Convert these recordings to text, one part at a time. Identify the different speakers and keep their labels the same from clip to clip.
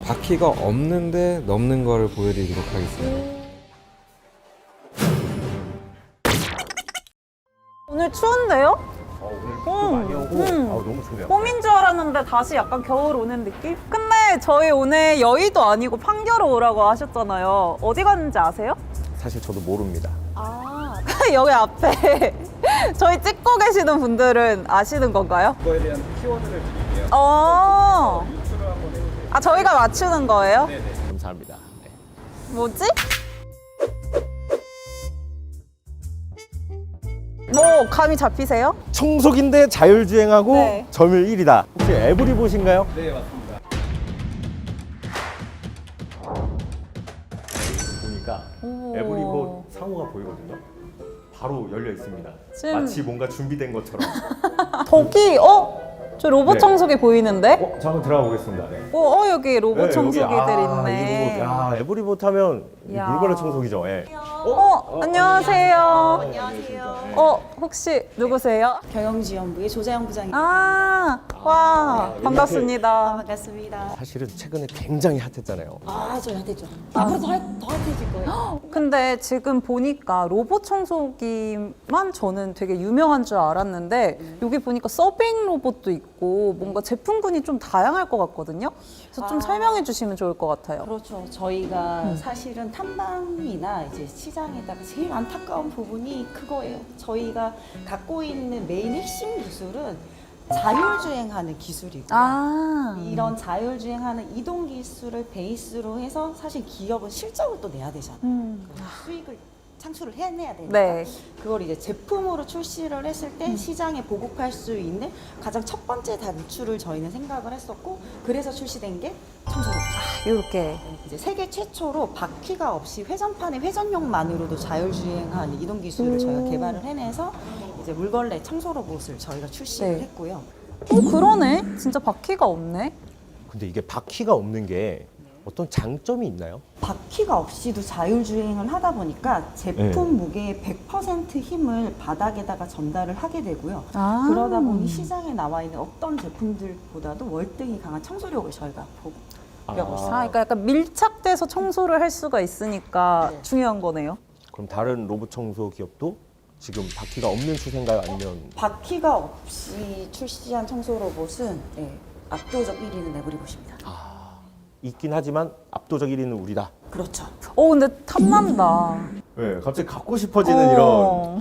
Speaker 1: 바퀴가 없는데 넘는 거를 보여드리도록 하겠습니다.
Speaker 2: 오늘 추운데요?
Speaker 3: 오늘 비도 많이 오고 너무 좋네요.
Speaker 2: 봄인 줄 알았는데 다시 약간 겨울 오는 느낌? 근데 저희 오늘 여의도 아니고 판교로 오라고 하셨잖아요. 어디 갔는지 아세요?
Speaker 3: 사실 저도 모릅니다.
Speaker 2: 아, 여기 앞에 저희 찍고 계시는 분들은 아시는 건가요?
Speaker 3: 그거에 대한 키워드를 드릴게요.
Speaker 2: 유추를 한번 해보세요. 아, 저희가 맞추는 거예요?
Speaker 3: 네네. 감사합니다. 네.
Speaker 2: 뭐지? 뭐 감이 잡히세요?
Speaker 3: 청소기인데 자율주행하고
Speaker 2: 네.
Speaker 3: 점유율 1위다. 혹시 에브리봇인가요?
Speaker 4: 네, 맞습니다.
Speaker 3: 보니까
Speaker 2: 오.
Speaker 3: 에브리봇 상호가 보이거든요. 바로 열려 있습니다.
Speaker 2: 지금-
Speaker 3: 마치 뭔가 준비된 것처럼.
Speaker 2: 저기 저 로봇
Speaker 3: 네.
Speaker 2: 청소기 보이는데?
Speaker 3: 저 한번 들어가 보겠습니다. 네.
Speaker 2: 여기 로봇
Speaker 3: 네,
Speaker 2: 청소기들
Speaker 3: 여기,
Speaker 2: 있네.
Speaker 3: 이 로봇. 야, 에브리봇 하면 이
Speaker 2: 야.
Speaker 3: 물걸레 청소기죠. 예.
Speaker 2: 안녕하세요.
Speaker 5: 안녕하세요.
Speaker 2: 혹시 누구세요?
Speaker 5: 경영지원부의 조자영 부장입니다.
Speaker 2: 와, 반갑습니다.
Speaker 5: 반갑습니다.
Speaker 3: 사실은 최근에 굉장히 핫했잖아요.
Speaker 5: 저 핫했죠. 앞으로 더 핫해질 거예요.
Speaker 2: 근데 지금 보니까 로봇 청소기만 저는 되게 유명한 줄 알았는데 여기 보니까 서빙 로봇도 있고 뭔가 제품군이 좀 다양할 것 같거든요. 그래서 좀 설명해 주시면 좋을 것 같아요.
Speaker 5: 그렇죠. 저희가 사실은 탐방이나 이제 시장에다가 제일 안타까운 부분이 그거예요. 저희가 갖고 있는 메인 핵심 기술은 자율주행하는 기술이고 이런 자율주행하는 이동 기술을 베이스로 해서 사실 기업은 실적을 또 내야 되잖아요. 수익을 창출을 해내야 되니까
Speaker 2: 네.
Speaker 5: 그걸 이제 제품으로 출시를 했을 때 시장에 보급할 수 있는 가장 첫 번째 단추를 저희는 생각을 했었고 그래서 출시된 게 청소로봇.
Speaker 2: 이렇게.
Speaker 5: 이제 세계 최초로 바퀴가 없이 회전판의 회전용만으로도 자율주행한 이동 기술을 저희가 개발을 해내서 이제 물걸레 청소 로봇을 저희가 출시를
Speaker 2: 네.
Speaker 5: 했고요.
Speaker 2: 그러네. 진짜 바퀴가 없네.
Speaker 3: 근데 이게 바퀴가 없는 게 어떤 장점이 있나요?
Speaker 5: 바퀴가 없이도 자율주행을 하다 보니까 제품 무게의 100% 힘을 바닥에다가 전달을 하게 되고요. 그러다 보니 시장에 나와 있는 어떤 제품들보다도 월등히 강한 청소력을 저희가 보급하고 있습니다.
Speaker 2: 그러니까 약간 밀착돼서 청소를 할 수가 있으니까
Speaker 5: 네.
Speaker 2: 중요한 거네요.
Speaker 3: 그럼 다른 로봇 청소 기업도 지금 바퀴가 없는 추세인가요? 아니면
Speaker 5: 바퀴가 없이 출시한 청소 로봇은 압도적 1위는 에브리봇입니다.
Speaker 3: 있긴 하지만 압도적 1위는 우리다.
Speaker 5: 그렇죠.
Speaker 2: 근데 탐난다.
Speaker 3: 네, 갑자기 갖고 싶어지는 이런.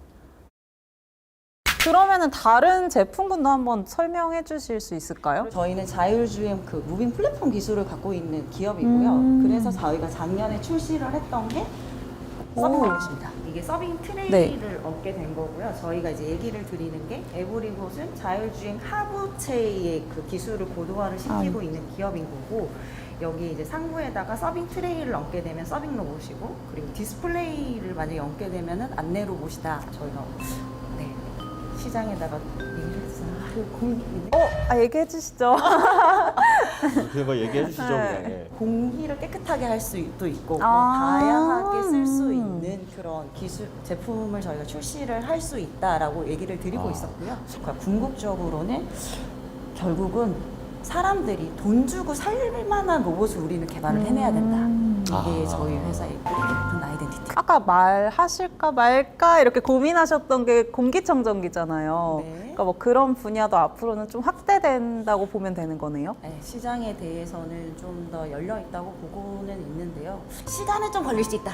Speaker 2: 그러면은 다른 제품군도 한번 설명해 주실 수 있을까요?
Speaker 5: 저희는 자율주행 그 무빙 플랫폼 기술을 갖고 있는 기업이고요. 그래서 저희가 작년에 출시를 했던 게 서빙 로봇입니다. 이게 서빙 트레이를 얻게 된 거고요. 저희가 이제 얘기를 드리는 게 에브리봇은 자율주행 하부체의 그 기술을 고도화를 시키고 있는 기업인 거고 여기 이제 상부에다가 서빙 트레이를 얹게 되면 서빙 로봇이고 그리고 디스플레이를 만약에 얹게 되면은 안내 로봇이다. 저희가 시장에다가 얘기를 했어요.
Speaker 2: 얘기해 주시죠.
Speaker 3: 그런 거 얘기해 주시죠.
Speaker 2: 네.
Speaker 3: 그냥. 예.
Speaker 5: 공기를 깨끗하게 할 수도 있고 뭐
Speaker 2: 아.
Speaker 5: 다양하게 쓸 수 있는 그런 기술 제품을 저희가 출시를 할 수 있다라고 얘기를 드리고 있었고요. 그러니까 궁극적으로는 결국은 사람들이 돈 주고 살 만한 로봇을 우리는 개발을 해내야 된다. 이게 저희 회사의 깊은 아이덴티티.
Speaker 2: 아까 말하실까 말까 이렇게 고민하셨던 게 공기청정기잖아요.
Speaker 5: 네.
Speaker 2: 그러니까 뭐 그런 분야도 앞으로는 좀 확대된다고 보면 되는 거네요.
Speaker 5: 네, 시장에 대해서는 좀 더 열려 있다고 보고는 있는데요. 시간은 좀 걸릴 수 있다.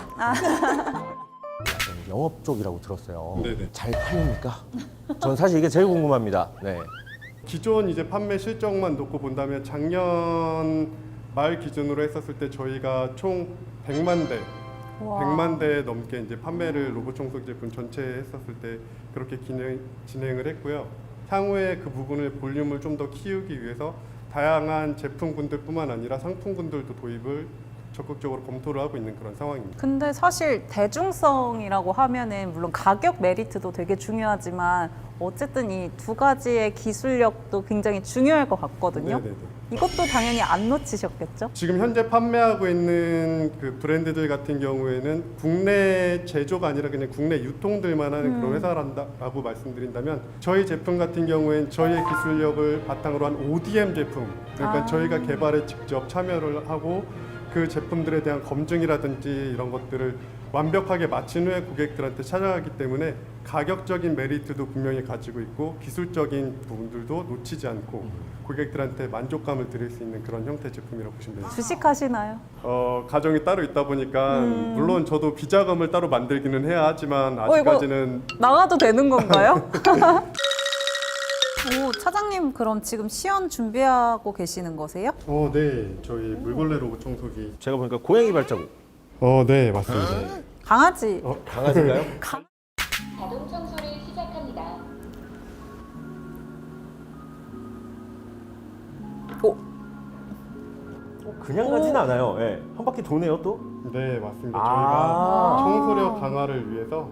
Speaker 3: 영업 쪽이라고 들었어요.
Speaker 4: 네네.
Speaker 3: 잘 팔립니까? 전 사실 이게 제일 궁금합니다. 네.
Speaker 4: 기존 이제 판매 실적만 놓고 본다면 작년 말 기준으로 했었을 때 저희가 총 100만 대, 100만 대 넘게 이제 판매를 로봇 청소기 제품 전체에 했었을 때 그렇게 진행을 했고요. 향후에 그 부분을 볼륨을 좀 더 키우기 위해서 다양한 제품군들뿐만 아니라 상품군들도 도입을 적극적으로 검토를 하고 있는 그런 상황입니다.
Speaker 2: 근데 사실 대중성이라고 하면은 물론 가격 메리트도 되게 중요하지만 어쨌든 이 두 가지의 기술력도 굉장히 중요할 것 같거든요.
Speaker 4: 네네네.
Speaker 2: 이것도 당연히 안 놓치셨겠죠?
Speaker 4: 지금 현재 판매하고 있는 그 브랜드들 같은 경우에는 국내 제조가 아니라 그냥 국내 유통들만 하는 그런 회사라고 말씀드린다면 저희 제품 같은 경우에는 저희의 기술력을 바탕으로 한 ODM 제품 그러니까 저희가 개발에 직접 참여를 하고 그 제품들에 대한 검증이라든지 이런 것들을 완벽하게 마친 후에 고객들한테 찾아가기 때문에 가격적인 메리트도 분명히 가지고 있고 기술적인 부분들도 놓치지 않고 고객들한테 만족감을 드릴 수 있는 그런 형태의 제품이라고 보시면 됩니다.
Speaker 2: 주식하시나요?
Speaker 4: 가정이 따로 있다 보니까 물론 저도 비자금을 따로 만들기는 해야 하지만
Speaker 2: 이거
Speaker 4: 아직까지는
Speaker 2: 나가도 되는 건가요? 오, 차장님 그럼 지금 시연 준비하고 계시는 거세요?
Speaker 4: 네, 저희 물걸레 로봇 청소기.
Speaker 3: 제가 보니까 고양이 발자국.
Speaker 4: 네, 맞습니다.
Speaker 2: 강아지.
Speaker 3: 강아지인가요?
Speaker 6: 자동 청소를 시작합니다.
Speaker 3: 그냥 가진 않아요. 예. 한 바퀴 도네요 또.
Speaker 4: 네, 맞습니다.
Speaker 3: 아.
Speaker 4: 저희가 청소력 강화를 위해서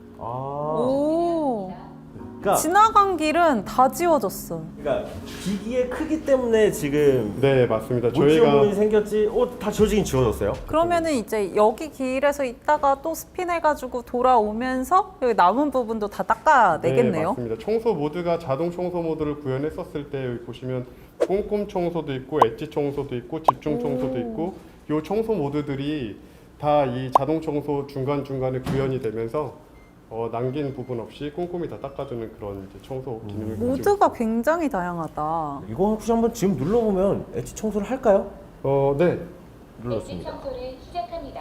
Speaker 2: 오.
Speaker 3: 그러니까,
Speaker 2: 지나간 길은 다 지워졌어.
Speaker 3: 그러니까 기기의 크기 때문에 지금
Speaker 4: 네, 맞습니다.
Speaker 3: 못 지운
Speaker 4: 저희가
Speaker 3: 부분이 생겼지. 다 지워지긴 지워졌어요.
Speaker 2: 그러면은 이제 여기 길에서 있다가 또 스핀해가지고 돌아오면서 여기 남은 부분도 다
Speaker 4: 네,
Speaker 2: 닦아내겠네요.
Speaker 4: 맞습니다. 청소 모드가 자동 청소 모드를 구현했었을 때 여기 보시면 꼼꼼 청소도 있고 엣지 청소도 있고 집중 청소도 있고 이 청소 모드들이 다 이 자동 청소 중간 중간에 구현이 되면서 남긴 부분 없이 꼼꼼히 다 닦아주는 그런 이제 청소 기능을 가지고
Speaker 2: 모드가 굉장히 다양하다.
Speaker 3: 이거 혹시 한번 지금 눌러보면 엣지 청소를 할까요?
Speaker 4: 네.
Speaker 6: 엣지
Speaker 3: 눌렀습니다.
Speaker 6: 청소를 시작합니다.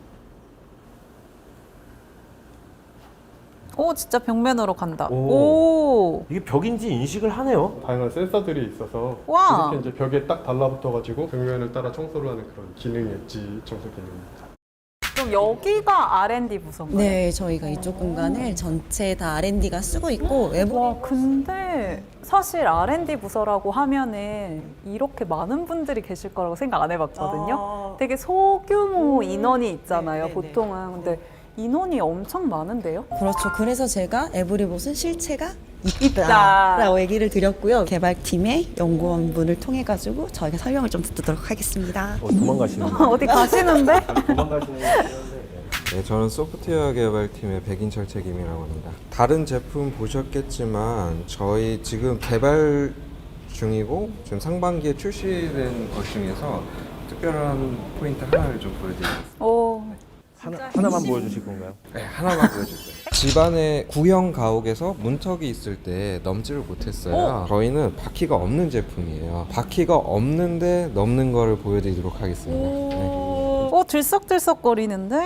Speaker 2: 오, 진짜 벽면으로 간다.
Speaker 3: 오.
Speaker 2: 오.
Speaker 3: 이게 벽인지 인식을 하네요.
Speaker 4: 다양한 센서들이 있어서
Speaker 2: 와.
Speaker 4: 이렇게 이제 벽에 딱 달라붙어가지고 벽면을 따라 청소를 하는 그런 기능이 엣지 청소 기능입니다.
Speaker 2: 그럼 여기가 R&D 부서인가요?
Speaker 7: 네, 저희가 이쪽 공간을 전체 다 R&D가 쓰고 있고 외부
Speaker 2: 와, 근데 사실 R&D 부서라고 하면은 이렇게 많은 분들이 계실 거라고 생각 안 해봤거든요. 되게 소규모 인원이 있잖아요,
Speaker 7: 네네네.
Speaker 2: 보통은. 근데 인원이 엄청 많은데요?
Speaker 7: 그렇죠. 그래서 제가 에브리봇은 실체가
Speaker 2: 있다.
Speaker 7: 있다라고 얘기를 드렸고요. 개발팀의 연구원분을 통해 가지고 저희가 설명을 좀 듣도록 하겠습니다.
Speaker 3: 도망가시는
Speaker 2: 어디 가시는데?
Speaker 3: 도망가시는
Speaker 1: 네, 저는 소프트웨어 개발팀의 백인철 책임이라고 합니다. 다른 제품 보셨겠지만 저희 지금 개발 중이고 지금 상반기에 출시된 것 중에서 특별한 포인트 하나를 좀 보여드리겠습니다.
Speaker 2: 오.
Speaker 3: 하나만 보여주실 건가요?
Speaker 1: 네, 하나만 보여줄게요. 집안에 구형 가옥에서 문턱이 있을 때 넘지를 못했어요. 저희는 바퀴가 없는 제품이에요. 바퀴가 없는데 넘는 거를 보여드리도록 하겠습니다. 네.
Speaker 2: 들썩들썩거리는데?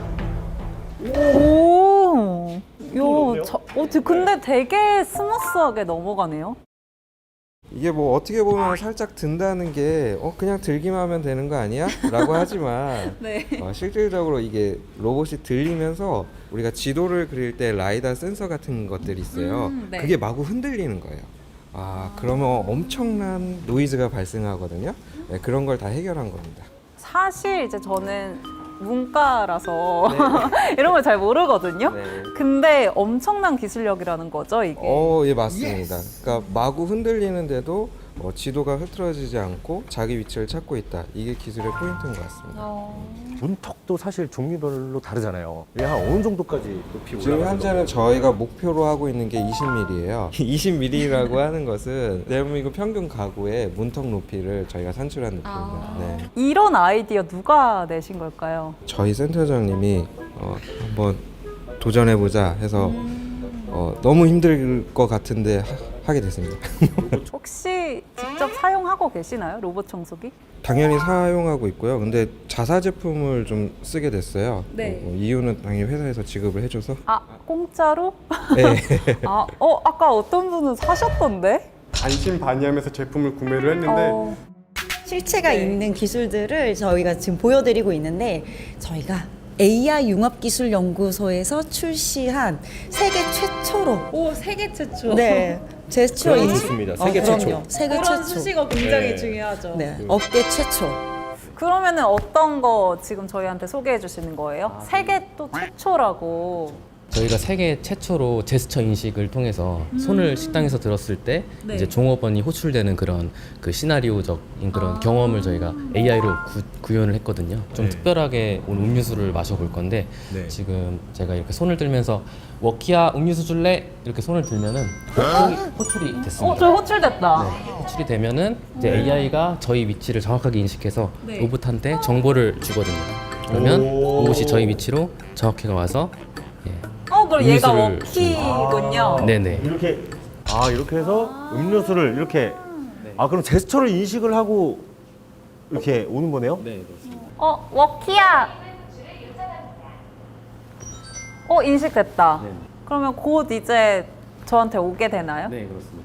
Speaker 2: 오. 요, 근데 되게 스무스하게 넘어가네요.
Speaker 1: 이게 뭐 어떻게 보면 살짝 든다는 게 그냥 들기만 하면 되는 거 아니야? 라고 하지만
Speaker 2: 네.
Speaker 1: 실질적으로 이게 로봇이 들리면서 우리가 지도를 그릴 때 라이다 센서 같은 것들이 있어요.
Speaker 2: 네.
Speaker 1: 그게 마구 흔들리는 거예요. 그러면 엄청난 노이즈가 발생하거든요. 네, 그런 걸 다 해결한 겁니다.
Speaker 2: 사실 이제 저는 문과라서 이런 걸 잘 모르거든요.
Speaker 1: 네.
Speaker 2: 근데 엄청난 기술력이라는 거죠, 이게.
Speaker 1: 예, 맞습니다. 그러니까 마구 흔들리는데도 지도가 흐트러지지 않고 자기 위치를 찾고 있다. 이게 기술의 포인트인 것 같습니다.
Speaker 3: 문턱도 사실 종류별로 다르잖아요. 이게 한 어느 정도까지 높이 올라가요?
Speaker 1: 지금 현재는 저희가 목표로 하고 있는 게 20mm예요. 20mm라고 하는 것은 대한민국 평균 가구의 문턱 높이를 저희가 산출한 높이입니다. 네.
Speaker 2: 이런 아이디어 누가 내신 걸까요?
Speaker 1: 저희 센터장님이 한번 도전해보자 해서 너무 힘들 것 같은데 하게 됐습니다.
Speaker 2: 혹시 직접 사용하고 계시나요? 로봇 청소기?
Speaker 1: 당연히 사용하고 있고요. 근데 자사 제품을 좀 쓰게 됐어요.
Speaker 2: 네.
Speaker 1: 이유는 당연히 회사에서 지급을 해줘서.
Speaker 2: 공짜로?
Speaker 1: 네.
Speaker 2: 아까 어떤 분은 사셨던데?
Speaker 4: 반신반의하면서 제품을 구매를 했는데
Speaker 7: 실체가 있는 기술들을 저희가 지금 보여드리고 있는데 저희가 AI 융합기술연구소에서 출시한 세계 최초로
Speaker 2: 세계 최초.
Speaker 7: 네 최초
Speaker 3: 그런 거 좋습니다. 세계 최초.
Speaker 7: 그럼요. 세계 최초.
Speaker 2: 굉장히
Speaker 3: 네.
Speaker 2: 중요하죠.
Speaker 7: 네 업계 최초.
Speaker 2: 그러면은 어떤 거 지금 저희한테 소개해 주시는 거예요? 세계 또 최초라고.
Speaker 8: 저희가 세계 최초로 제스처 인식을 통해서 손을 식당에서 들었을 때
Speaker 2: 네.
Speaker 8: 이제 종업원이 호출되는 그런 그 시나리오적인 그런 경험을 저희가 AI로 구현을 했거든요. 좀
Speaker 3: 네.
Speaker 8: 특별하게 오늘 음료수를 마셔볼 건데
Speaker 3: 네.
Speaker 8: 지금 제가 이렇게 손을 들면서 워키야 음료수 줄래? 이렇게 손을 들면은 호출이 됐습니다.
Speaker 2: 저 호출됐다.
Speaker 8: 네, 호출이 되면은 이제 AI가 저희 위치를 정확하게 인식해서
Speaker 2: 네.
Speaker 8: 로봇한테 정보를 주거든요. 그러면
Speaker 3: 오.
Speaker 8: 로봇이 저희 위치로 정확히 와서 예.
Speaker 2: 그럼 얘가
Speaker 8: 음료수를
Speaker 2: 워키군요.
Speaker 8: 네네.
Speaker 3: 이렇게 해서 음료수를 이렇게 그럼 제스처를 인식을 하고 이렇게 오는 거네요?
Speaker 8: 네, 그렇습니다.
Speaker 2: 워키야. 인식됐다.
Speaker 8: 네.
Speaker 2: 그러면 곧 이제 저한테 오게 되나요?
Speaker 8: 네, 그렇습니다.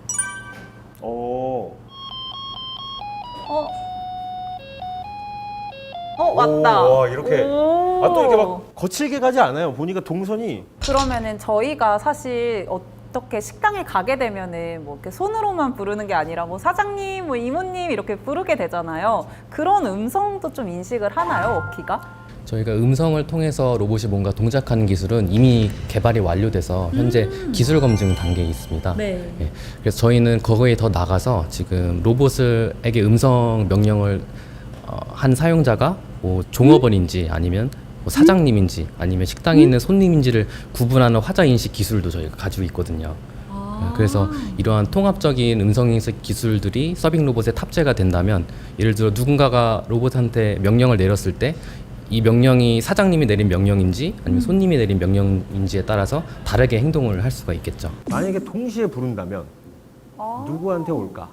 Speaker 2: 왔다.
Speaker 3: 와, 이렇게.
Speaker 2: 오.
Speaker 3: 또 이렇게 막 거칠게 가지 않아요. 보니까 동선이.
Speaker 2: 그러면은 저희가 사실 어떻게 식당에 가게 되면은 뭐 이렇게 손으로만 부르는 게 아니라 뭐 사장님, 뭐 이모님 이렇게 부르게 되잖아요. 그런 음성도 좀 인식을 하나요, 워키가?
Speaker 8: 저희가 음성을 통해서 로봇이 뭔가 동작하는 기술은 이미 개발이 완료돼서 현재 기술 검증 단계에 있습니다.
Speaker 2: 네.
Speaker 8: 예, 그래서 저희는 거기에 더 나가서 지금 로봇에게 음성 명령을 한 사용자가 뭐 종업원인지 아니면 뭐 사장님인지 아니면 식당에 있는 손님인지를 구분하는 화자 인식 기술도 저희가 가지고 있거든요. 예, 그래서 이러한 통합적인 음성 인식 기술들이 서빙 로봇에 탑재가 된다면 예를 들어 누군가가 로봇한테 명령을 내렸을 때 이 명령이 사장님이 내린 명령인지 아니면 손님이 내린 명령인지에 따라서 다르게 행동을 할 수가 있겠죠.
Speaker 3: 만약에 동시에 부른다면 누구한테 올까?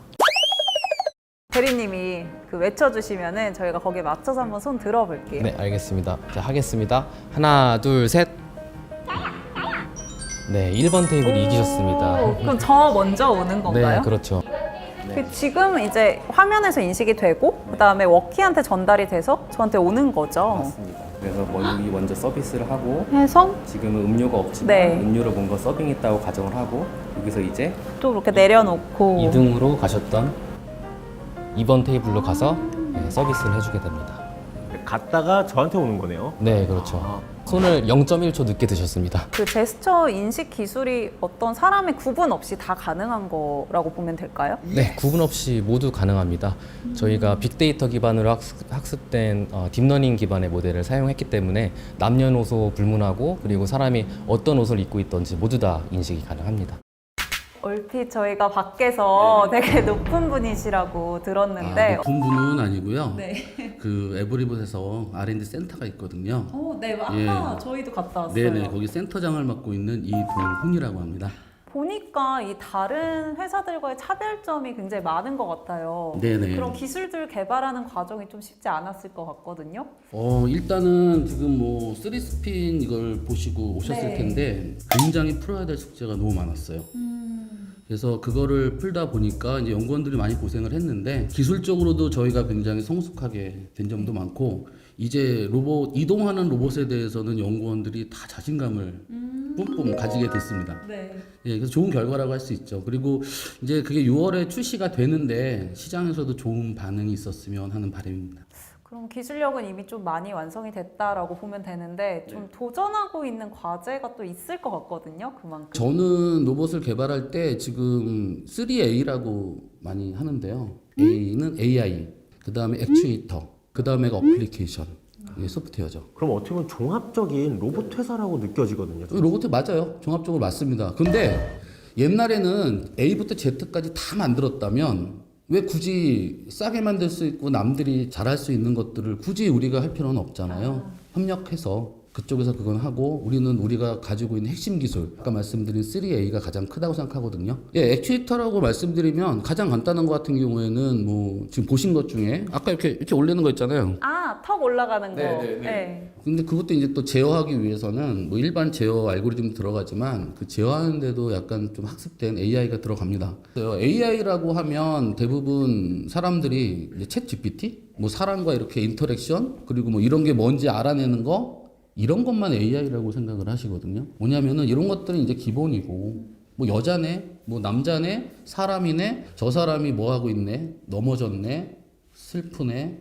Speaker 2: 대리님이 그 외쳐주시면은 저희가 거기에 맞춰서 한번 손 들어볼게요.
Speaker 8: 네, 알겠습니다. 자, 하겠습니다. 하나, 둘, 셋. 네, 1번 테이블이 이기셨습니다.
Speaker 2: 그럼 저 먼저 오는 건가요?
Speaker 8: 네, 그렇죠.
Speaker 2: 그 지금 이제 화면에서 인식이 되고 그다음에 워키한테 전달이 돼서 저한테 오는 거죠.
Speaker 8: 맞습니다. 그래서 먼저 서비스를 하고
Speaker 2: 해서
Speaker 8: 지금은 음료가 없지만
Speaker 2: 네.
Speaker 8: 음료를 뭔가 서빙했다고 가정을 하고 여기서 이제
Speaker 2: 또 그렇게 내려놓고
Speaker 8: 2등으로 가셨던 2번 테이블로 가서 서비스를 해주게 됩니다.
Speaker 3: 갔다가 저한테 오는 거네요.
Speaker 8: 네, 그렇죠. 손을 0.1초 늦게 드셨습니다.
Speaker 2: 그 제스처 인식 기술이 어떤 사람의 구분 없이 다 가능한 거라고 보면 될까요?
Speaker 8: 네, 구분 없이 모두 가능합니다. 저희가 빅데이터 기반으로 학습된 딥러닝 기반의 모델을 사용했기 때문에 남녀노소 불문하고 그리고 사람이 어떤 옷을 입고 있던지 모두 다 인식이 가능합니다.
Speaker 2: 얼핏 저희가 밖에서 되게 높은 분이시라고 들었는데
Speaker 9: 높은 분은 아니고요.
Speaker 2: 네.
Speaker 9: 그 에브리봇에서 R&D 센터가 있거든요.
Speaker 2: 네,
Speaker 9: 아까
Speaker 2: 저희도 갔다 왔어요.
Speaker 9: 네네, 거기 센터장을 맡고 있는 이동훈이라고 합니다.
Speaker 2: 보니까 이 다른 회사들과의 차별점이 굉장히 많은 것 같아요.
Speaker 9: 네네.
Speaker 2: 그런 기술들 개발하는 과정이 좀 쉽지 않았을 것 같거든요.
Speaker 9: 일단은 지금 뭐 3스핀 이걸 보시고 오셨을
Speaker 2: 네.
Speaker 9: 텐데 굉장히 풀어야 될 숙제가 너무 많았어요. 그래서 그거를 풀다 보니까 이제 연구원들이 많이 고생을 했는데 기술적으로도 저희가 굉장히 성숙하게 된 점도 많고 이제 이동하는 로봇에 대해서는 연구원들이 다 자신감을 뿜뿜 가지게 됐습니다.
Speaker 2: 네.
Speaker 9: 예, 그래서 좋은 결과라고 할 수 있죠. 그리고 이제 그게 6월에 출시가 되는데 시장에서도 좋은 반응이 있었으면 하는 바람입니다.
Speaker 2: 그럼 기술력은 이미 좀 많이 완성이 됐다라고 보면 되는데 좀 도전하고 있는 과제가 또 있을 것 같거든요. 그만큼.
Speaker 9: 저는 로봇을 개발할 때 지금 3A라고 많이 하는데요. A는 AI, 그 다음에 액추에이터, 그 다음에가 어플리케이션, 이게 소프트웨어죠.
Speaker 3: 그럼 어떻게 보면 종합적인 로봇 회사라고 느껴지거든요.
Speaker 9: 로봇 맞아요. 종합적으로 맞습니다. 근데 옛날에는 A부터 Z까지 다 만들었다면 왜 굳이 싸게 만들 수 있고 남들이 잘할 수 있는 것들을 굳이 우리가 할 필요는 없잖아요. 협력해서 그쪽에서 그건 하고 우리는 우리가 가지고 있는 핵심 기술 아까 말씀드린 3A가 가장 크다고 생각하거든요. 액추에이터라고 말씀드리면 가장 간단한 것 같은 경우에는 뭐 지금 보신 것 중에 아까 이렇게 올리는 거 있잖아요.
Speaker 2: 턱 올라가는 거.
Speaker 9: 네. 근데 그것도 이제 또 제어하기 위해서는 뭐 일반 제어 알고리즘 들어가지만 그 제어하는데도 약간 좀 학습된 AI가 들어갑니다. AI라고 하면 대부분 사람들이 이제 챗 GPT, 뭐 사람과 이렇게 인터랙션 그리고 뭐 이런 게 뭔지 알아내는 거 이런 것만 AI라고 생각을 하시거든요. 뭐냐면은 이런 것들은 이제 기본이고 뭐 여자네, 뭐 남자네, 사람이네, 저 사람이 뭐 하고 있네, 넘어졌네, 슬프네,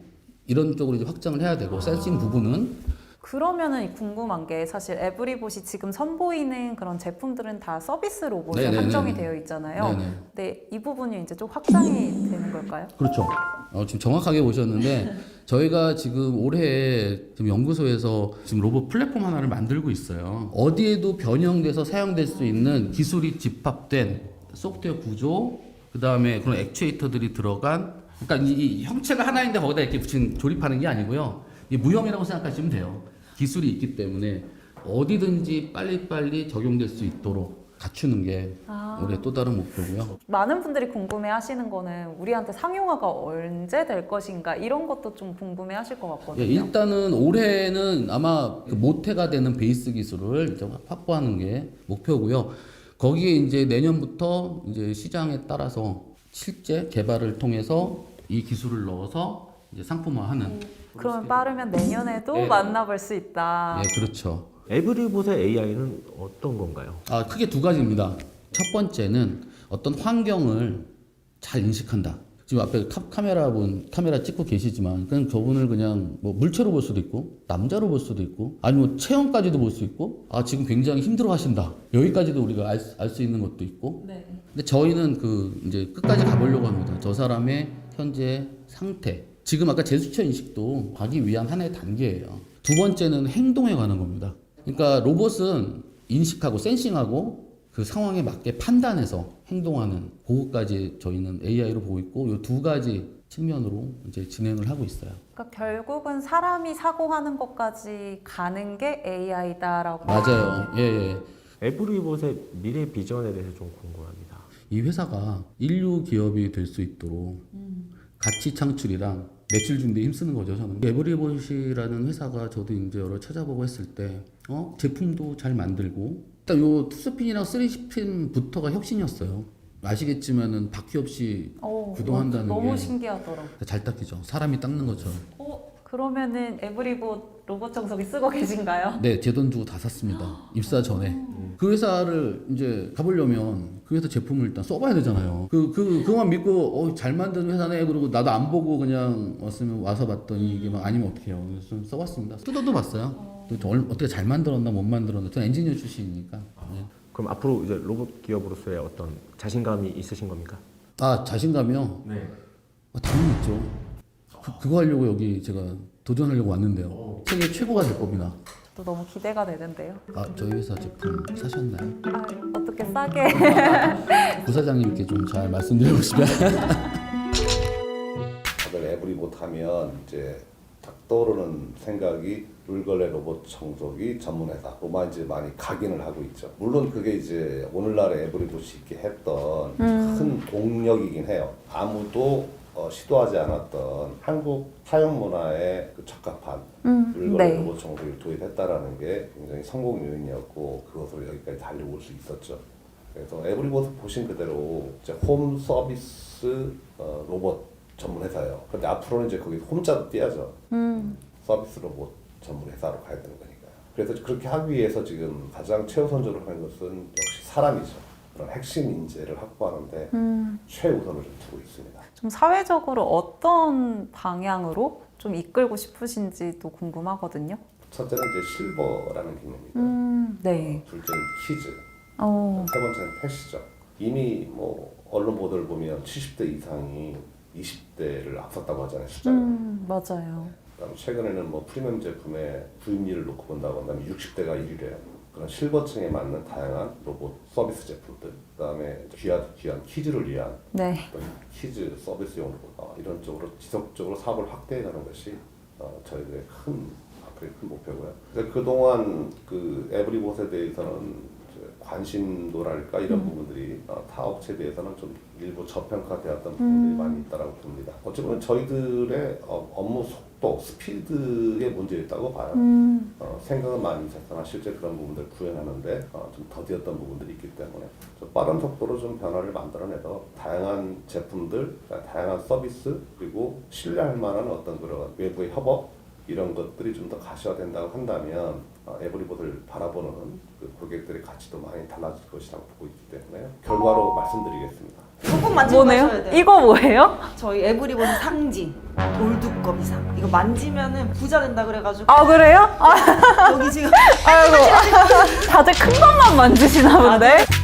Speaker 9: 이런 쪽으로 이제 확장을 해야 되고 센싱 부분은
Speaker 2: 그러면은 궁금한 게 사실 에브리봇이 지금 선보이는 그런 제품들은 다 서비스 로봇에
Speaker 9: 네네네.
Speaker 2: 한정이 되어 있잖아요.
Speaker 9: 네네.
Speaker 2: 근데 이 부분이 이제 좀 확장이 되는 걸까요?
Speaker 9: 그렇죠. 지금 정확하게 보셨는데 저희가 지금 올해 지금 연구소에서 지금 로봇 플랫폼 하나를 만들고 있어요. 어디에도 변형돼서 사용될 수 있는 기술이 집합된 소프트웨어 구조, 그 다음에 그런 액추에이터들이 들어간, 그러니까 이 형체가 하나인데 거기다 이렇게 붙인 조립하는 게 아니고요. 이 무형이라고 생각하시면 돼요. 기술이 있기 때문에 어디든지 빨리빨리 적용될 수 있도록 갖추는 게 우리의 또 다른 목표고요.
Speaker 2: 많은 분들이 궁금해 하시는 거는 우리한테 상용화가 언제 될 것인가 이런 것도 좀 궁금해 하실 것 같거든요.
Speaker 9: 예, 일단은 올해는 아마 그 모태가 되는 베이스 기술을 이제 확보하는 게 목표고요. 거기에 이제 내년부터 이제 시장에 따라서 실제 개발을 통해서 이 기술을 넣어서 이제 상품화하는.
Speaker 2: 그러면 빠르면 내년에도
Speaker 9: 네.
Speaker 2: 만나볼 수 있다.
Speaker 9: 예, 그렇죠.
Speaker 3: 에브리봇의 AI는 어떤 건가요?
Speaker 9: 크게 두 가지입니다. 첫 번째는 어떤 환경을 잘 인식한다. 지금 앞에 카메라 찍고 계시지만 그냥 저분을 그냥 뭐 물체로 볼 수도 있고 남자로 볼 수도 있고 아니면 체형까지도 볼 수 있고 지금 굉장히 힘들어 하신다. 여기까지도 우리가 알 수 있는 것도 있고.
Speaker 2: 네.
Speaker 9: 근데 저희는 이제 끝까지 가보려고 합니다. 저 사람의 현재 상태. 지금 아까 제스처 인식도 가기 위한 하나의 단계예요. 두 번째는 행동에 관한 겁니다. 그러니까 로봇은 인식하고 센싱하고 그 상황에 맞게 판단해서 행동하는 그거까지 저희는 AI로 보고 있고 이 두 가지 측면으로 이제 진행을 하고 있어요.
Speaker 2: 그러니까 결국은 사람이 사고하는 것까지 가는 게 AI다라고.
Speaker 9: 맞아요. 예.
Speaker 3: 에브리봇의 미래 비전에 대해서 좀 궁금합니다.
Speaker 9: 이 회사가 인류 기업이 될 수 있도록 가치 창출이랑 매출 준비에 힘쓰는 거죠, 저는. 에브리봇이라는 회사가 저도 이제 여러 찾아보고 했을 때, 제품도 잘 만들고, 일단 요 투스핀이랑 3스핀부터가 혁신이었어요. 아시겠지만은 바퀴 없이 구동한다는
Speaker 2: 너무
Speaker 9: 게
Speaker 2: 신기하더라고요.
Speaker 9: 잘 닦이죠. 사람이 닦는 것처럼.
Speaker 2: 그러면은 에브리봇 로봇 청소기 쓰고 계신가요?
Speaker 9: 네, 제 돈 주고 다 샀습니다. 입사 전에. 그 회사를 이제 가보려면 그 회사 제품을 일단 써봐야 되잖아요. 그거만 믿고 잘 만든 회사네 그러고 나도 안 보고 그냥 와서 봤더니 이게 막 아니면 어떡해요. 그래서 좀 써봤습니다. 뜯어도 봤어요. 또 어떻게 잘 만들었나 못 만들었나. 저는 엔지니어 출신이니까. 네.
Speaker 3: 그럼 앞으로 이제 로봇 기업으로서의 어떤 자신감이 있으신 겁니까?
Speaker 9: 자신감이요?
Speaker 3: 네.
Speaker 9: 당연히 있죠. 그거 하려고 여기 제가 도전하려고 왔는데요. 세계 최고가 될 겁니다.
Speaker 2: 또 너무 기대가 되는데요.
Speaker 9: 저희 회사 제품 사셨나요?
Speaker 2: 어떻게 싸게?
Speaker 9: 부사장님께 좀 잘 말씀드려 보시면.
Speaker 10: 다들 에브리봇 하면 이제 딱 떠오르는 생각이 룰걸레 로봇 청소기 전문 회사. 로만 이제 많이 각인을 하고 있죠. 물론 그게 이제 오늘날의 에브리봇이 있게 했던 큰 동력이긴 해요. 아무도 시도하지 않았던 한국 사용 문화에 그 적합한 룰걸레
Speaker 2: 네.
Speaker 10: 로봇 청소기를 도입했다라는 게 굉장히 성공 요인이었고 그것으로 여기까지 달려올 수 있었죠. 그래서 에브리봇을 보신 그대로 이제 홈 서비스 로봇 전문 회사예요. 근데 앞으로는 이제 거기 홈자도 띄야죠. 서비스 로봇 전문 회사로 가야 되는 거니까요. 그래서 그렇게 하기 위해서 지금 가장 최우선적으로 하는 것은 역시 사람이죠. 그런 핵심 인재를 확보하는데 최우선을 좀 두고 있습니다.
Speaker 2: 좀 사회적으로 어떤 방향으로 좀 이끌고 싶으신지도 궁금하거든요.
Speaker 10: 첫째는 이제 실버라는 개념입니다.
Speaker 2: 네.
Speaker 10: 둘째는 키즈. 세 번째는 패시죠. 이미 뭐 언론 보도를 보면 70대 이상이 20대를 앞섰다고 하잖아요, 숫자가.
Speaker 2: 맞아요.
Speaker 10: 그다음 최근에는 뭐 프리미엄 제품의 구입률을 놓고 본다고 한다면 60대가 1위래요. 그런 실버층에 맞는 다양한 로봇 서비스 제품들, 그다음에 귀한 키즈를 위한
Speaker 2: 네.
Speaker 10: 어떤 키즈 서비스용 로봇 이런 쪽으로 지속적으로 사업을 확대해가는 것이 저희들의 앞으로의 큰 목표고요. 그동안 그 에브리봇에 대해서는 관심도랄까 이런 부분들이 타 업체에 대해서는 좀 일부 저평가되었던 부분들이 많이 있다고 봅니다. 어찌 보면 저희들의 업무 속도, 스피드에 문제였다고 봐요. 생각은 많이 있었으나 실제 그런 부분들을 구현하는데 좀 더디었던 부분들이 있기 때문에 좀 빠른 속도로 좀 변화를 만들어내서 다양한 제품들, 다양한 서비스 그리고 신뢰할 만한 어떤 그런 외부의 협업 이런 것들이 좀 더 가시화된다고 한다면 에브리봇을 바라보는 그 고객들의 가치도 많이 달라질 것이라고 보고 있기 때문에 결과로 말씀드리겠습니다.
Speaker 2: 조금
Speaker 5: 꼭 만지고
Speaker 2: 뭐네요?
Speaker 5: 가셔야 돼요.
Speaker 2: 이거 뭐예요?
Speaker 5: 저희 에브리본 상징 돌두꺼비상. 이거 만지면은 부자 된다 그래가지고
Speaker 2: 아 그래요? 아,
Speaker 5: 여기 지금
Speaker 2: 아이고 다들 큰 것만 만지시나 본데?